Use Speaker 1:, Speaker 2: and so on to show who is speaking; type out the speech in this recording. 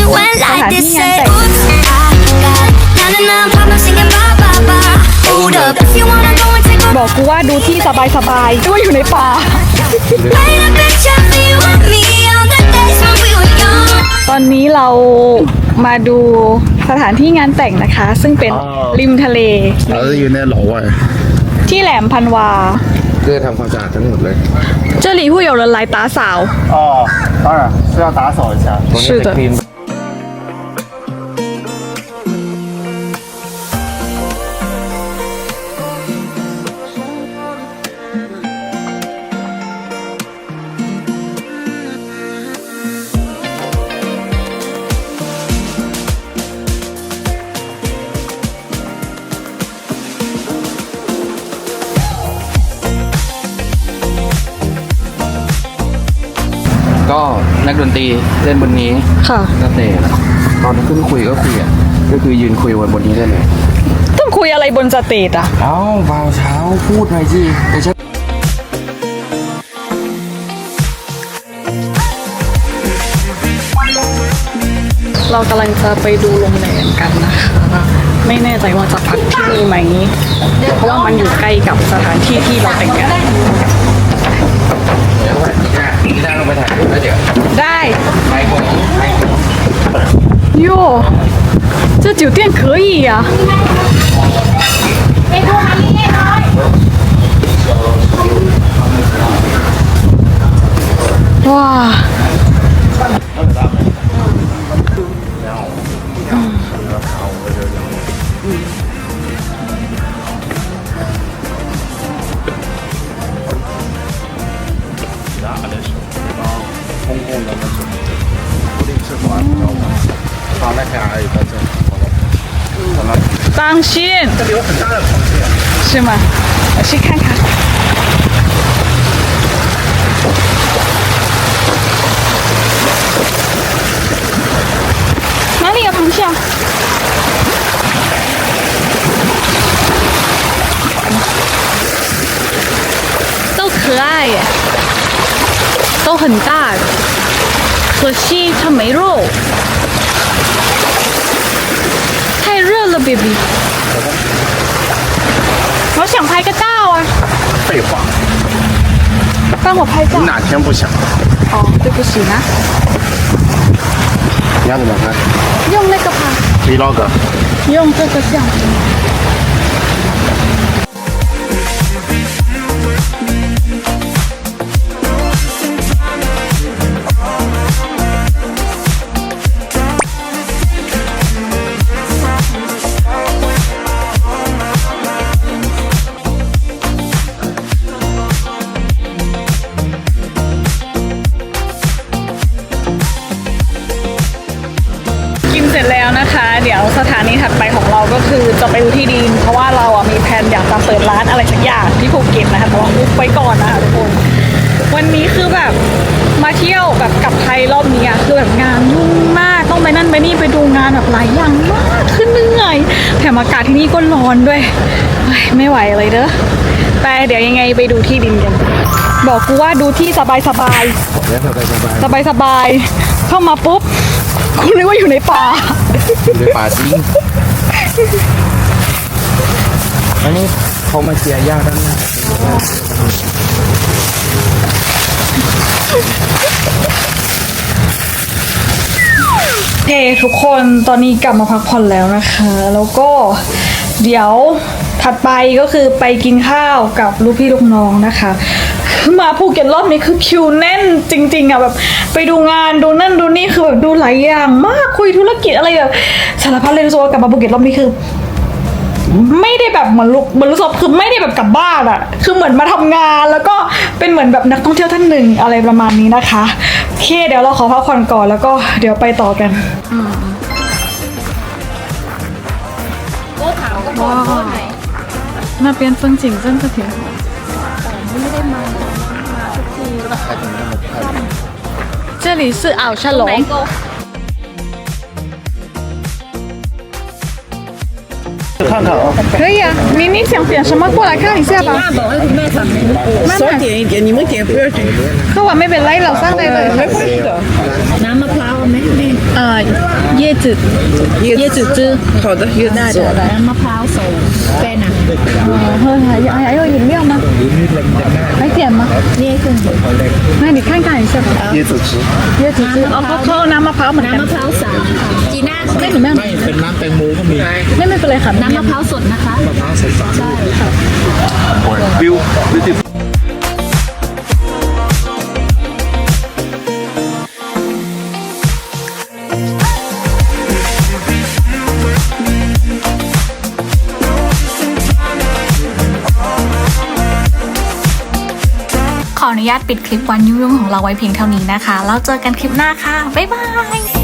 Speaker 1: สถานที่งานแต่งบอกกูว่าดูที่สบายๆด้วยอยู่ในป่าตอนนี้เรามาดูสถานที่งานแต่งนะคะ ซึ่งเป็นริมทะเล
Speaker 2: เราจะอยู่ในหล่อไว้
Speaker 1: ที่แหลมพันวา
Speaker 2: เพื่อทำความสะอาดทั้งหมดเลย
Speaker 1: 这里会有人来打扫
Speaker 3: 哦，当然是要打扫一下。
Speaker 1: 是的。
Speaker 2: ก็นักดนตรีเล่นบนนี้
Speaker 1: ค่ะ
Speaker 2: ก็เตะตอนขึ้นคุยก็คุยก็คือยืนคุยบนนี้ได้เลย
Speaker 1: ต้องคุยอะไรบนสเตจอ่ะ
Speaker 2: เอ้าเบาเช้าพูดหน่อยสิแต่ฉัน
Speaker 1: เรากำลังจะไปดูโรงแรมกันนะคะไม่แน่ใจว่าจะพักที่นี่ไหมเพราะว่ามันอยู่ใกล้กับสถานที่ที่เราแต่งงาน
Speaker 2: ได้ลงไปถ่ายรูปแล้วเดี๋ยว
Speaker 1: ได้哟这酒店可以呀哇当心！这里有很大的螃蟹，是吗？我去看看。哪里有螃蟹啊？都可爱耶，都很大的，可惜它没肉。太热了 ，baby。我想拍个照啊。
Speaker 2: 废话。
Speaker 1: 帮我拍照。
Speaker 2: 你哪天不想？
Speaker 1: 哦，对不起啊。
Speaker 2: 你要怎么拍？
Speaker 1: 用那个拍。
Speaker 2: Vlog。
Speaker 1: 用这个相机。เสร็จแล้วนะคะเดี๋ยวสถานีถัดไปของเราก็คือจะไปดูที่ดินเพราะว่าเราอ่ะมีแผนอยากจะเปิดร้านอะไรสักอย่างที่ภูเก็ตนะคะแต่ว่าอุ๊บไว้ก่อนนะคะทุกคนวันนี้คือแบบมาเที่ยวแบบกลับไทยรอบนี้คือแบบงานยุ่งมากต้องไปนั่นไปนี่ไปดูงานแบบหลายอย่างมากขึ้นเหนื่อยแถมอากาศที่นี่ก็ร้อนด้วยไม่ไหวเลยเด้อแต่เดี๋ยวยังไงไปดูที่ดินกันบอกกูว่าดูที่สบายเข้ามาปุ๊บคุณนึกว่าอยู่ในป่า
Speaker 2: อยู่ในป่าจริงอันนี้เขามาเชียร์ย่าด้านหน้า
Speaker 1: เฮ้ทุกคนตอนนี้กลับมาพักผ่อนแล้วนะคะแล้วก็เดี๋ยวถัดไปก็คือไปกินข้าวกับลูกพี่ลูกน้องนะคะมาภูเก็ตรอบนี้คือคิวแน่นจริงๆอ่ะแบบไปดูงานดูนั่นดูนี่คือแบบดูหลายอย่างมากคุยธุรกิจอะไรแบบสารพัดเลยรู้สึกว่ากลับมาภูเก็ตรอบนี้คือไม่ได้แบบเหมือนรู้สึกคือไม่ได้แบบกลับบ้านอ่ะคือเหมือนมาทำงานแล้วก็เป็นเหมือนแบบนักท่องเที่ยวท่านหนึ่งอะไรประมาณนี้นะคะโอเคเดี๋ยวเราขอพักผ่อนก่อนแล้วก็เดี๋ยวไปต่อกันว้าว那边风景真的挺好ไม่ได้มาทุกที这里是奥沙龙
Speaker 3: 看看啊，
Speaker 1: 可以啊，你想点什么过来看一下吧。
Speaker 4: 少点一点，你们点不要点。
Speaker 1: เขาว่าไม่เป็นไรเราสร้างได้เลย
Speaker 4: 没关系的。น้ำมะพร้าวไหม
Speaker 1: 椰子椰子汁
Speaker 4: 好的，有那的。
Speaker 5: มะพร้าวโซแฟนอ่ะ
Speaker 1: 喝还有饮料吗还点吗
Speaker 5: นี่เครื่องดื่ม
Speaker 1: 那你看看一下吧
Speaker 3: 椰子汁。
Speaker 1: 椰子汁哦เขาเอาน้ำมะพร้าวเหมือนกัน
Speaker 5: น้ำมะพร้าวสามค่ะจีน่า
Speaker 1: ไม่หนูไม่
Speaker 3: ไม่เป็นน้ำแตงโมก็มี
Speaker 1: ไม่เป็นไรค่ะ
Speaker 5: น้ำมะพร้าวสดนะคะ
Speaker 3: มะพร้าวใส่ฝา
Speaker 5: ใช่ค่ะ
Speaker 3: บิวบิวติ
Speaker 6: ขออนุญาตปิดคลิปวันยุ่งๆของเราไว้เพียงเท่านี้นะคะ แล้วเจอกันคลิปหน้าค่ะ บ๊ายบาย